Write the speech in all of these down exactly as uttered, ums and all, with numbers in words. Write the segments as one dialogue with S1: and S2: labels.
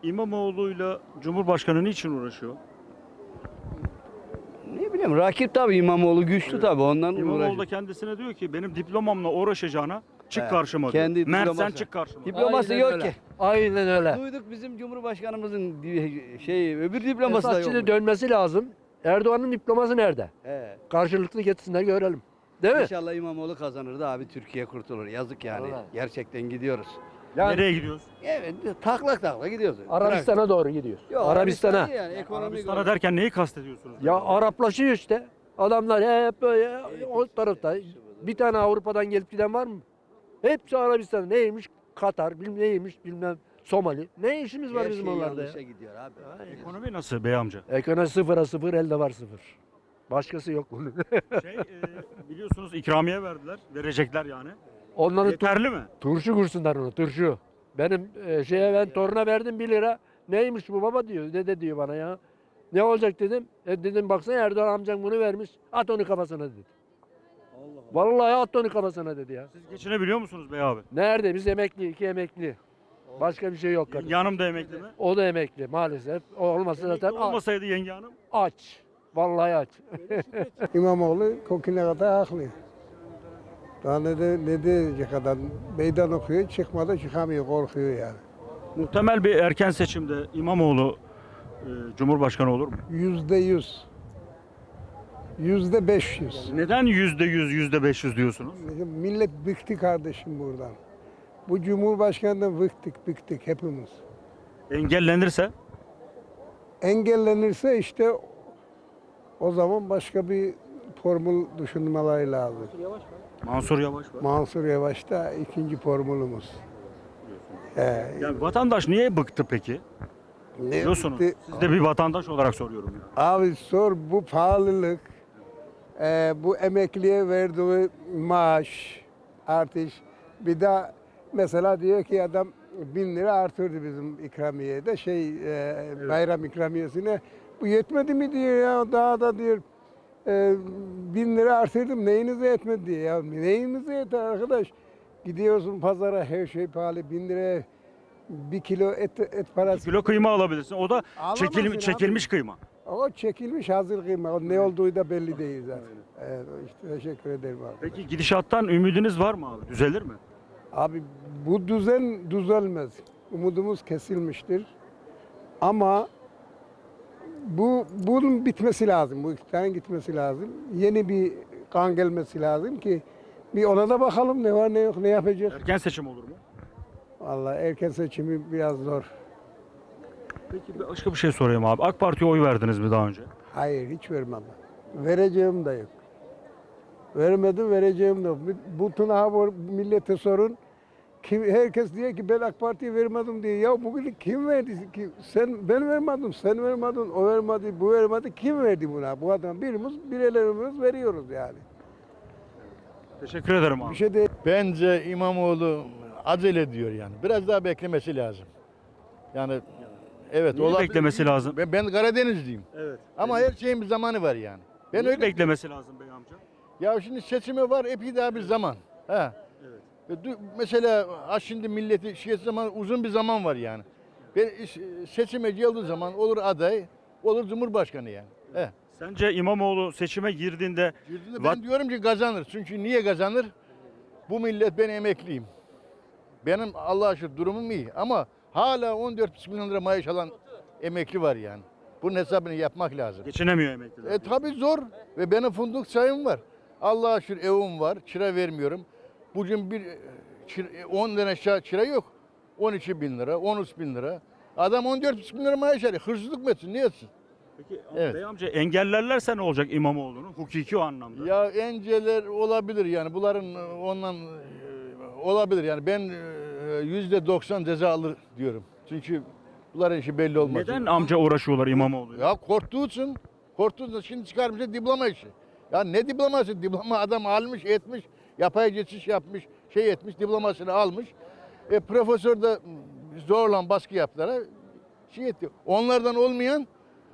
S1: İmamoğlu'yla Cumhurbaşkanı niçin uğraşıyor?
S2: Ne bileyim rakip tabii İmamoğlu güçlü tabii ondan
S1: İmamoğlu da
S2: uğraşıyor.
S1: kendisine diyor ki benim diplomamla uğraşacağına çık
S2: Evet,
S1: karşıma diyor.
S2: kendi
S1: Mert sen
S2: diploması.
S1: çık karşıma.
S2: Dip- Diploması
S3: Aynen
S2: yok
S3: öyle.
S2: ki.
S3: Aynen öyle.
S2: Duyduk bizim Cumhurbaşkanımızın di- şey öbür diploması da
S3: Esas
S2: yok.
S3: şimdi dönmesi lazım. Erdoğan'ın diploması nerede?
S2: He.
S3: Karşılıklı getirsinler görelim. Değil mi?
S2: İnşallah İmamoğlu kazanır da abi Türkiye kurtulur. Yazık yani.
S3: Vallahi.
S2: Gerçekten gidiyoruz.
S3: Yani
S1: Nereye gidiyoruz?
S2: Evet taklak taklak gidiyoruz.
S3: Arabistan'a doğru gidiyor.
S2: Yok,
S3: Arabistan'a.
S2: Arabistan yani ekonomik
S1: Arabistan'a
S2: olarak.
S1: derken neyi kastediyorsunuz?
S3: Ya Araplaşıyor işte. Adamlar hep böyle o tarafta. Bir tane Avrupa'dan gelip giden var mı? Hepsi Arabistan. Neymiş? Katar, bilmem neymiş, bilmem Somali. Ne işimiz var
S2: Her
S3: bizim
S2: şey
S3: onlarda ya?
S2: yanlışa gidiyor abi.
S1: Ekonomi nasıl bey amca?
S3: Ekonomi sıfıra sıfır, elde var sıfır. Başkası yok bunun.
S1: Şey, e, biliyorsunuz ikramiye verdiler. Verecekler yani.
S3: Onların tu-
S1: Yeterli mi?
S3: turşu kursunlar onu, turşu. Benim e, şeye ben toruna verdim bir lira. Neymiş bu baba diyor, dede diyor bana ya. Ne olacak dedim. E dedim baksana Erdoğan amcan bunu vermiş. At onu kafasına dedi. Vallahi at onu kafasına dedi ya.
S1: Siz geçinebiliyor musunuz bey abi?
S3: Nerede? Biz emekli, iki emekli. Başka bir şey yok. kardeşim.
S1: Yenge hanım da emekli mi?
S3: O da emekli maalesef. O olmasa
S1: Emekli
S3: zaten a-
S1: olmasaydı yenge hanım.
S3: aç. Vallahi aç.
S4: İmamoğlu kokine kadar haklı. Daha ne, de, ne diyecek adam? Meydan okuyor, çıkmadı çıkamıyor, korkuyor yani.
S1: Muhtemel bir erken seçimde İmamoğlu e, Cumhurbaşkanı olur mu?
S4: Yüzde yüz. Yüzde beş yüz.
S1: Neden yüzde yüz, yüzde beş yüz diyorsunuz?
S4: Millet bıktı kardeşim buradan. Bu Cumhurbaşkanı'ndan bıktık, bıktık hepimiz.
S1: Engellenirse
S4: Engellenirse işte o zaman başka bir formül düşünmeleri lazım.
S1: Mansur Yavaş var.
S4: Mansur Yavaş da ikinci formülümüz. Ee,
S1: Yani vatandaş niye bıktı peki?
S4: ne
S1: Biliyorsunuz.
S4: bıktı?
S1: Siz de bir vatandaş olarak soruyorum ya.
S4: Abi sor bu pahalılık, e, bu emekliye verdiği maaş artış. Bir daha mesela diyor ki adam bin lira artırdı bizim ikramiyede şey e, bayram ikramiyesine. Bu yetmedi mi diyor ya daha da diyor e, bin lira artırdım neyinize yetmedi diyor ya neyinize yeter arkadaş. Gidiyorsun pazara her şey pahalı bin liraya bir kilo et, et parası.
S1: Kilo kıyma alabilirsin. O da
S4: Alamazsın
S1: çekil,
S4: abi.
S1: çekilmiş kıyma.
S4: O çekilmiş hazır kıyma. O ne olduğu da belli değil zaten. Evet, işte teşekkür ederim abi.
S1: Peki gidişattan ümidiniz var mı abi? Düzelir mi?
S4: Abi bu düzen düzelmez. Umudumuz kesilmiştir. Ama bu bunun bitmesi lazım. Bu iktidarın gitmesi lazım. Yeni bir kan gelmesi lazım ki bir ona da bakalım ne var ne yok ne yapacak.
S1: Erken seçim olur mu?
S4: Vallahi erken seçimi biraz zor.
S1: Peki bir başka bir şey sorayım abi. AK Parti'ye oy verdiniz mi daha önce?
S4: Hayır hiç vermem. Vereceğim de yok. Vermedim vereceğim de yok. Bütün ha bu millete sorun. Kim, herkes diyor ki ben AK Parti'ye vermedim diye. Ya bugün kim verdi ki? Sen ben vermedim, sen vermedin, o vermedi, bu vermedi. Kim verdi buna? Bu adam birimiz, birilerimiz veriyoruz yani.
S1: Teşekkür ederim
S4: Bir
S1: abi.
S4: şey değil.
S5: Bence İmamoğlu acele ediyor yani. Biraz daha beklemesi lazım. Yani evet
S1: Niye
S5: olabilir.
S1: beklemesi lazım?
S5: Ben, ben Karadenizliyim.
S1: Evet.
S5: Ama her şeyin bir zamanı var yani. Ben
S1: Niye
S5: öyle
S1: beklemesi lazım bey amca?
S5: Ya şimdi seçimi var epey daha bir zaman. Ha. Evet. Mesela ha şimdi milleti şey zaman uzun bir zaman var yani. Ben iş- seçime geldiği zaman olur aday, olur cumhurbaşkanı yani. He.
S1: Sence İmamoğlu seçime girdiğinde
S5: Girdiğinde
S1: Vat-
S5: ben diyorum ki kazanır. Çünkü niye kazanır? Bu millet ben emekliyim. Benim Allah'a şükür durumum iyi ama hala on dört buçuk milyon lira maaş alan emekli var yani. Bunun hesabını yapmak lazım.
S1: geçinemiyor emekliler?
S5: E tabi zor ve benim funduk sayım var. Allah'a şükür evim var, çıra vermiyorum. Bugün bir çır- on tane aşağı çıra yok. on iki bin lira, on üç bin lira. Adam on dört buçuk bin lira maaş alıyor. Hırsızlık mı etsin, ne etsin?
S1: Peki
S5: Evet.
S1: bey amca engellerlerse ne olacak İmamoğlu'nu? Hukuki o anlamda.
S5: Ya enceler olabilir yani bunların e, ondan e, olabilir yani ben yüzde doksan ceza alır diyorum. Çünkü bunların işi belli olmaz.
S1: Neden amca uğraşıyorlar İmamoğlu'yla?
S5: Ya korktuğu için, korktuğu için şimdi çıkarmışlar diploma işi. Ya ne diploması? Diploma adam almış, etmiş, yapay geçiş yapmış, şey etmiş, diplomasını almış. E, profesör de zorla baskı yaptılar. Şey etti. Onlardan olmayan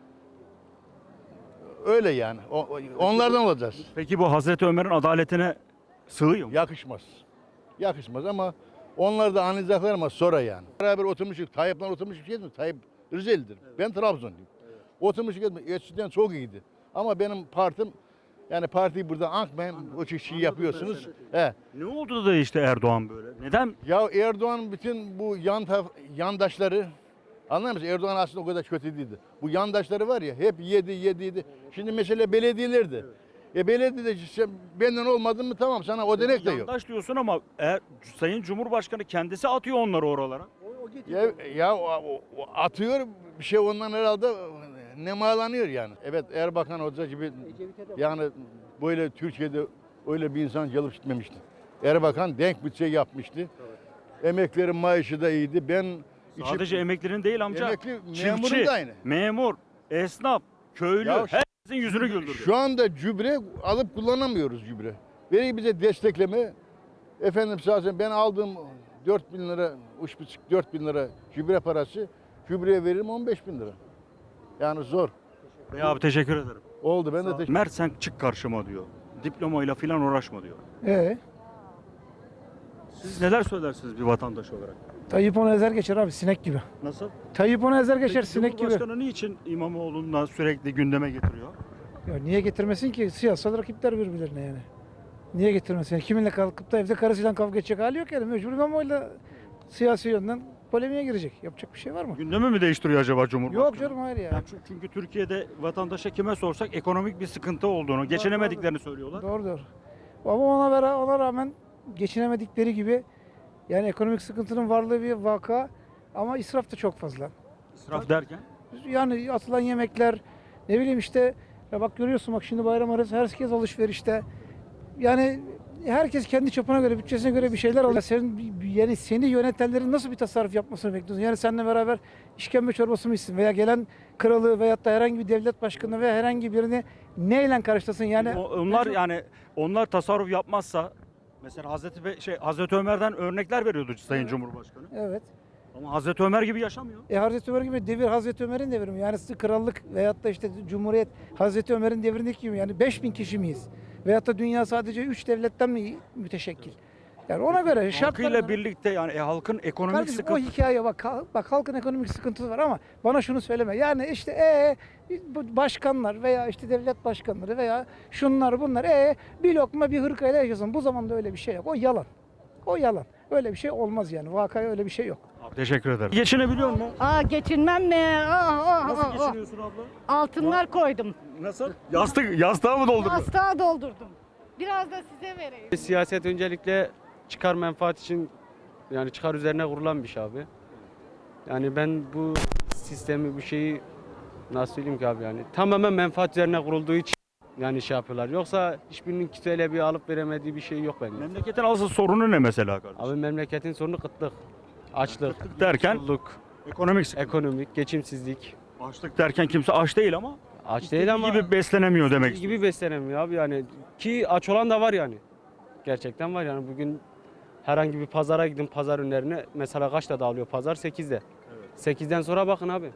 S5: öyle yani. O- onlardan olacağız.
S1: Peki bu Hazreti Ömer'in adaletine sığıyor mu?
S5: Yakışmaz. Yakışmaz ama Onlar da anlayacaklar ama sonra yani. Beraber oturmuşuz. Tayyip'le oturmuşuz. Şey mi? Tayyip Rizeli'dir. Ben Trabzonluyum. Oturmuşuz. Eskiden çok iyiydi. Ama benim partim yani partiyi burada ankmayın. O şey yapıyorsunuz. He.
S1: Ne oldu da işte Erdoğan böyle? Neden?
S5: Ya Erdoğan bütün bu yan taf- yandaşları anlar mısın? Erdoğan aslında o kadar kötü değildi. Bu yandaşları var ya hep yedi yedi yedi. Şimdi mesele belediyelerdi. E belediyede sen benden olmadın mı tamam sana o denek de yok.
S1: Yandaş diyorsun ama eğer Sayın Cumhurbaşkanı kendisi atıyor onları oralara.
S5: Ya, ya o, o- o atıyor bir şey ondan herhalde nemalanıyor yani. Evet Erbakan Hoca gibi yani böyle Türkiye'de öyle bir insan gelip gitmemişti. Erbakan denk bütçe yapmıştı. Emeklerin maaşı da iyiydi. Ben
S1: Sadece
S5: içi-
S1: emeklerin değil amca.
S5: Emekli,
S1: Çiftçi,
S5: memurun da aynı.
S1: memur, esnaf, köylü
S5: Ya şu-
S1: herkesin yüzünü güldürdü.
S5: Şu anda gübre alıp kullanamıyoruz gübre. Veri bize destekleme. Efendim zaten ben aldığım dört bin lira, üç buçuk dört bin lira gübre parası. Gübreye veririm on beş bin lira. Yani zor.
S1: Bey abi teşekkür ederim.
S5: Oldu ben de teşekkür
S1: Mert sen çık karşıma diyor. Diplomayla filan uğraşma diyor.
S6: Ee,
S1: Siz neler söylersiniz bir vatandaş olarak?
S6: Tayyip onu ezer geçer abi sinek gibi.
S1: Nasıl?
S6: Tayyip onu ezer geçer
S1: Peki
S6: sinek gibi.
S1: Cumhurbaşkanı niçin İmamoğlu'ndan sürekli gündeme getiriyor?
S6: Ya niye getirmesin ki? Siyasal rakipler birbirlerine yani. Niye getirmesin? Yani kiminle kalkıp da evde karısıyla kavga edecek hali yok yani. Mecbur İmamoğlu'yla siyasi yönden polemiğe girecek. Yapacak bir şey var mı?
S1: Gündemi mi değiştiriyor acaba Cumhurbaşkanı?
S6: Yok canım hayır ya.
S1: Yani çünkü, çünkü Türkiye'de vatandaşa kime sorsak ekonomik bir sıkıntı olduğunu, geçinemediklerini söylüyorlar.
S6: Doğru doğru. Ama ona, vera, ona rağmen geçinemedikleri gibi yani ekonomik sıkıntının varlığı bir vaka ama israf da çok fazla.
S1: İsraf derken?
S6: Yani atılan yemekler ne bileyim işte ya bak görüyorsun bak şimdi bayram arası herkes alışverişte. Yani herkes kendi çapına göre bütçesine göre bir şeyler alıyor. Senin yani seni yönetenlerin nasıl bir tasarruf yapmasını bekliyorsun? Yani seninle beraber işkembe çorbası mı içsin veya gelen kralı veyahut da herhangi bir devlet başkanı veya herhangi birini neyle karşılasın? Yani
S1: O- onlar yani onlar tasarruf yapmazsa mesela Hazreti Be- şey Hazreti Ömer'den örnekler veriyordu Sayın Cumhurbaşkanı.
S6: evet.
S1: Ama Hazreti Ömer gibi yaşamıyor.
S6: E Hazreti Ömer gibi devir Hazreti Ömer'in devri mi? Yani krallık veyahut da işte cumhuriyet Hazreti Ömer'in devrindeki gibi yani beş bin kişi miyiz? Veyahut da dünya sadece üç devletten mi müteşekkil? Yani ona göre şartlar
S1: Halkıyla birlikte yani e, halkın ekonomik
S6: Kardeşim o
S1: sıkıntı.
S6: hikaye bak hal- bak halkın ekonomik sıkıntısı var ama bana şunu söyleme. Yani işte e bu başkanlar veya işte devlet başkanları veya şunlar bunlar e bir lokma bir hırkayla yaşasın. Bu zamanda öyle bir şey yok. O yalan. O yalan. Öyle bir şey olmaz yani. Vakaya öyle bir şey yok.
S1: Abi, teşekkür ederim. Geçinebiliyor musun?
S7: Aa geçinmem mi? Aa, aa,
S1: Nasıl
S7: aa, aa.
S1: geçiniyorsun abla?
S7: Altınlar koydum.
S1: Nasıl? Yastık yastığa mı dolduruyorsun?
S7: Yastığa doldurdum. Biraz da size vereyim.
S8: Siyaset öncelikle çıkar menfaat için yani çıkar üzerine kurulan bir şey abi. Yani ben bu sistemi bu şeyi nasıl söyleyeyim ki abi yani tamamen menfaat üzerine kurulduğu için yani şey yapıyorlar. Yoksa hiçbirinin kimseyle bir alıp veremediği bir şey yok bence.
S1: Memleketin asıl sorunu ne mesela kardeşim?
S8: Abi memleketin sorunu kıtlık, açlık,
S1: Açlık derken?
S8: yoksulluk,
S1: Ekonomik sıkıntı.
S8: ekonomik, geçimsizlik.
S1: Açlık derken kimse aç değil ama
S8: Aç
S1: istediği
S8: değil ama
S1: gibi beslenemiyor demek.
S8: istediği gibi beslenemiyor abi yani. Ki aç olan da var yani. Gerçekten var yani bugün herhangi bir pazara gidin pazar ürünlerine mesela kaçta dağılıyor pazar? sekizde. sekizden sonra bakın abi.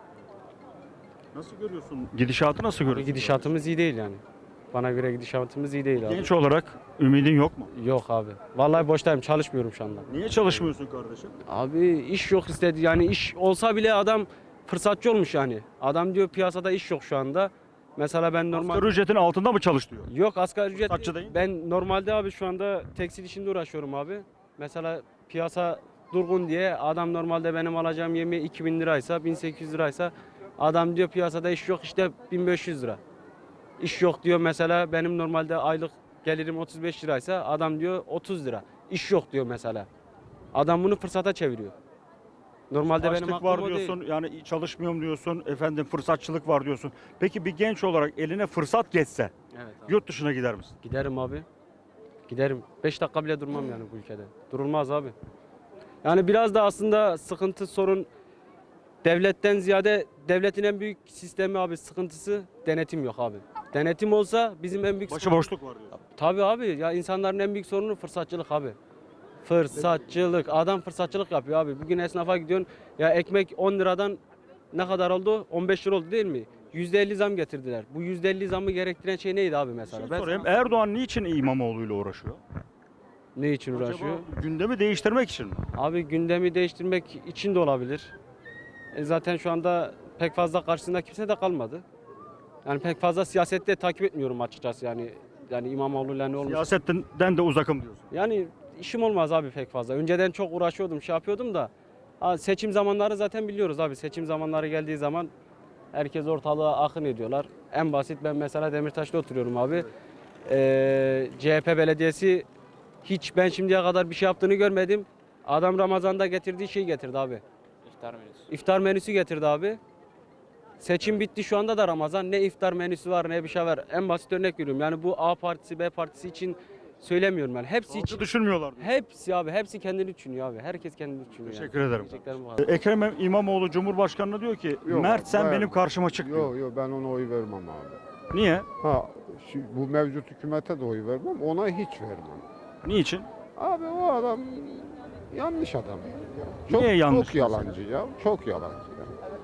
S1: Nasıl görüyorsun? Gidişatı nasıl
S8: Abi
S1: görüyorsun?
S8: gidişatımız iyi değil yani. Bana göre gidişatımız iyi değil abi.
S1: Genç olarak ümidin yok mu?
S8: Yok abi. Vallahi boştayım çalışmıyorum şu anda.
S1: Niye çalışmıyorsun kardeşim?
S8: Abi iş yok istedi yani iş olsa bile adam fırsatçı olmuş yani. Adam diyor piyasada iş yok şu anda. Mesela ben normal...
S1: Asgari ücretin altında mı çalış diyor?
S8: Yok asgari ücret
S1: Fırsatçı değil.
S8: ben normalde abi şu anda tekstil işinde uğraşıyorum abi. Mesela piyasa durgun diye adam normalde benim alacağım yemeği iki bin liraysa bin sekiz yüz liraysa adam diyor piyasada iş yok işte bin beş yüz lira. İş yok diyor mesela benim normalde aylık gelirim otuz beş liraysa adam diyor otuz lira. İş yok diyor mesela. Adam bunu fırsata çeviriyor. Normalde benim
S1: Açlık
S8: aklım
S1: var
S8: o değil.
S1: diyorsun, yani çalışmıyorum diyorsun, efendim fırsatçılık var diyorsun. Peki bir genç olarak eline fırsat geçse
S8: Evet abi.
S1: yurt dışına gider misin?
S8: Giderim abi. Giderim. beş dakika bile durmam yani bu ülkede. Durulmaz abi. Yani biraz da aslında sıkıntı sorun devletten ziyade devletin en büyük sistemi abi sıkıntısı denetim yok abi. Denetim olsa bizim en büyük
S1: Başıboşluk var diyorsun.
S8: Tabii abi ya insanların en büyük sorunu fırsatçılık abi. Fırsatçılık. Adam fırsatçılık yapıyor abi. Bugün esnafa gidiyorsun ya ekmek on liradan ne kadar oldu? on beş lira oldu değil mi? yüzde elli zam getirdiler. Bu yüzde elli zamı gerektiren şey neydi abi mesela?
S1: Şey
S8: Ben
S1: sorayım,
S8: sana-
S1: Erdoğan niçin İmamoğlu ile uğraşıyor?
S8: Ne için uğraşıyor?
S1: Acaba gündemi değiştirmek için mi?
S8: Abi gündemi değiştirmek için de olabilir. E zaten şu anda pek fazla karşısında kimse de kalmadı. Yani pek fazla siyasette takip etmiyorum açıkçası yani. Yani İmamoğlu'yla ne olmuş?
S1: Siyasetten de uzakım diyorsun.
S8: Yani işim olmaz abi pek fazla. Önceden çok uğraşıyordum, şey yapıyordum da. Ha, seçim zamanları zaten biliyoruz abi. Seçim zamanları geldiği zaman herkes ortalığa akın ediyorlar. En basit ben mesela Demirtaş'ta oturuyorum abi. Ee, C H P belediyesi hiç ben şimdiye kadar bir şey yaptığını görmedim. Adam Ramazan'da getirdiği şeyi getirdi abi.
S9: İftar menüsü.
S8: İftar menüsü getirdi abi. Seçim bitti şu anda da Ramazan. Ne iftar menüsü var ne bir şey var. En basit örnek veriyorum. Yani bu A partisi B partisi için söylemiyorum yani. Hepsi için.
S1: Halkı düşünmüyorlar diyor.
S8: Hepsi abi. Hepsi kendini düşünüyor abi. Herkes kendini düşünüyor.
S1: Teşekkür
S8: yani.
S1: ederim.
S8: Diyeceklerim bu kadar.
S1: Ekrem İmamoğlu Cumhurbaşkanı'na diyor ki
S10: Yok
S1: Mert
S10: abi,
S1: sen
S10: ben-
S1: benim karşıma çık diyor.
S10: Yok yok ben ona oy vermem abi.
S1: Niye?
S10: Ha şu, bu mevcut hükümete de oy vermem, ona hiç vermem.
S1: Niçin?
S10: Abi o adam yanlış adam. ya. Çok,
S1: Niye yanlış
S10: Çok yalancı ya, çok yalancı ya.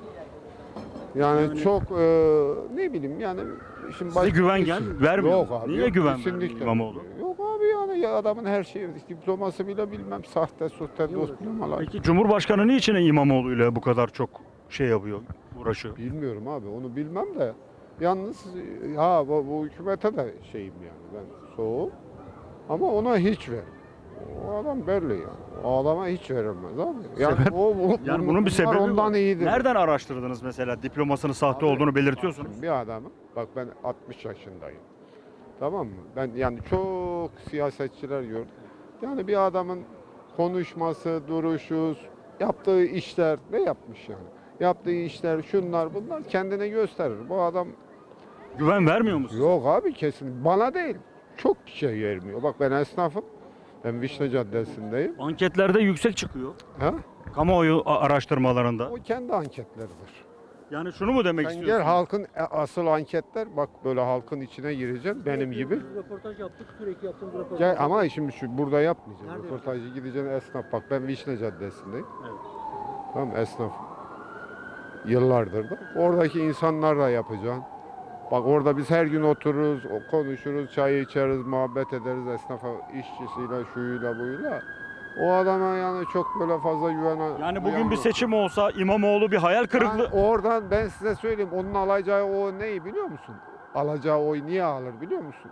S10: Yani, çok e, ne bileyim yani şimdi
S1: Size güven
S10: bir
S1: gel-
S10: sürü-
S1: vermiyor
S10: Yok
S1: mu?
S10: abi,
S1: Niye
S10: yok,
S1: güven
S10: kesinlikle
S1: vermiyor İmamoğlu?
S10: Yok abi yani ya adamın her şeyi diploması bile bilmem sahte sahte diplomalar.
S1: Peki Cumhurbaşkanı niçin İmamoğlu ile bu kadar çok şey yapıyor, uğraşıyor?
S10: Bilmiyorum abi onu bilmem de yalnız ha bu, bu hükümete de şeyim yani ben soğuk ama ona hiç ver. O adam belli yani. O adama hiç verilmez abi. Yani
S1: Sebep?
S10: o bu,
S1: Yani
S10: bunu-
S1: bunun bir
S10: bunlar
S1: sebebi
S10: ondan
S1: var.
S10: iyidir.
S1: Nereden araştırdınız mesela diplomasının sahte
S10: Abi,
S1: olduğunu belirtiyorsunuz?
S10: Şimdi bir adamın bak ben altmış yaşındayım. Tamam mı? Ben yani çok siyasetçiler gördüm. Yani bir adamın konuşması, duruşu, yaptığı işler ne yapmış yani? Yaptığı işler şunlar bunlar kendine gösterir. Bu adam
S1: Güven vermiyor musun?
S10: yok abi kesin bana değil. Çok şey vermiyor. Bak ben esnafım. Ben Vişne Caddesi'ndeyim.
S1: Anketlerde yüksek çıkıyor.
S10: Ha?
S1: Kamuoyu a- araştırmalarında.
S10: O kendi anketleridir.
S1: Yani şunu mu demek
S10: Sen gel
S1: istiyorsun?
S10: halkın e, asıl anketler bak böyle halkın içine gireceksin benim gibi.
S3: Röportaj yaptık, sürekli yaptığımız röportaj.
S10: Gel ama şimdi şu burada yapmayacağım. Röportajı gideceksin esnaf. Bak ben Vişne Caddesi'ndeyim.
S1: Evet.
S10: Tamam esnaf. Yıllardır da. Oradaki insanlarla yapacaksın. Bak orada biz her gün otururuz, o- konuşuruz, çay içeriz, muhabbet ederiz esnafa, işçisiyle, şuyla, buyla. O adama yani çok böyle fazla güven.
S1: Yani bugün bir seçim olsa İmamoğlu bir hayal kırıklığı.
S10: Yani oradan ben size söyleyeyim, onun alacağı o neyi biliyor musun? Alacağı oy niye alır biliyor musun?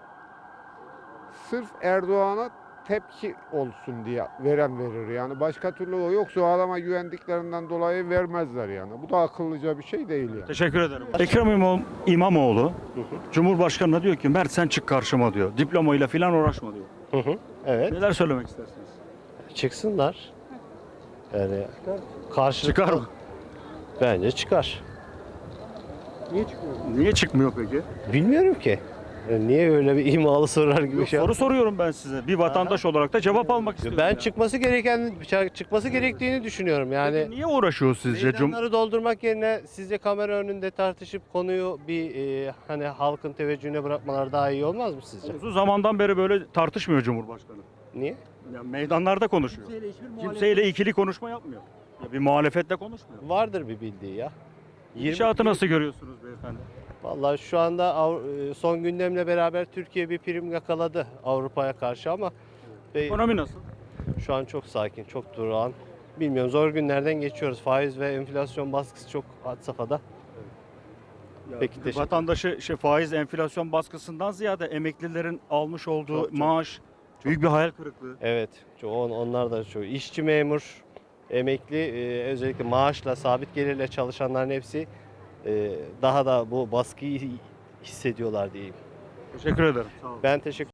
S10: Sırf Erdoğan'a tepki olsun diye veren verir yani. Başka türlü o yoksa o adama güvendiklerinden dolayı vermezler yani. Bu da akıllıca bir şey değil yani.
S1: Teşekkür ederim. Ekrem İmam- İmamoğlu Cumhurbaşkanı'na diyor ki Mert sen çık karşıma diyor. Diplomayla falan uğraşma diyor.
S11: Hı hı. Evet.
S1: Neler söylemek istersiniz?
S11: Çıksınlar. Yani karşılıklı.
S1: Çıkar mı?
S11: Bence çıkar.
S1: Niye çıkmıyor peki?
S11: Bilmiyorum ki. Yani niye öyle bir imalı sorar gibi
S1: Yok,
S11: şey.
S1: soru soruyorum ben size. Bir vatandaş olarak da cevap almak istiyorum.
S11: Ben
S1: yani.
S11: çıkması gereken çıkması gerektiğini düşünüyorum. Yani
S1: Peki niye uğraşıyor sizce? Cum-
S11: meydanları doldurmak yerine sizce kamera önünde tartışıp konuyu bir e, hani halkın teveccühüne bırakmalar daha iyi olmaz mı sizce?
S1: Uzun zamandan beri böyle tartışmıyor Cumhurbaşkanı.
S11: Niye?
S1: Yani meydanlarda konuşuyor. Kimseyle ikili konuşma yapmıyor. Ya bir muhalefetle konuşmuyor.
S11: Vardır bir bildiği ya. yirmi
S1: İnşaatı nasıl görüyorsunuz beyefendi?
S11: Vallahi şu anda Avru- e, son gündemle beraber Türkiye bir prim yakaladı Avrupa'ya karşı ama ve
S1: Ekonomi nasıl?
S11: şu an çok sakin, çok durağan. Bilmiyorum zor günlerden geçiyoruz. Faiz ve enflasyon baskısı çok had safhada.
S1: Ya
S11: Peki, teşekkür
S1: vatandaşı şey, faiz enflasyon baskısından ziyade emeklilerin almış olduğu
S11: Çok, çok.
S1: maaş büyük bir hayal kırıklığı.
S11: Evet, çok, on- onlar da çok. İşçi memur, emekli, e, özellikle maaşla, sabit gelirle çalışanların hepsi e, daha da bu baskıyı hissediyorlar diyeyim.
S1: Teşekkür ederim. Sağ olun.
S11: Ben teşekkür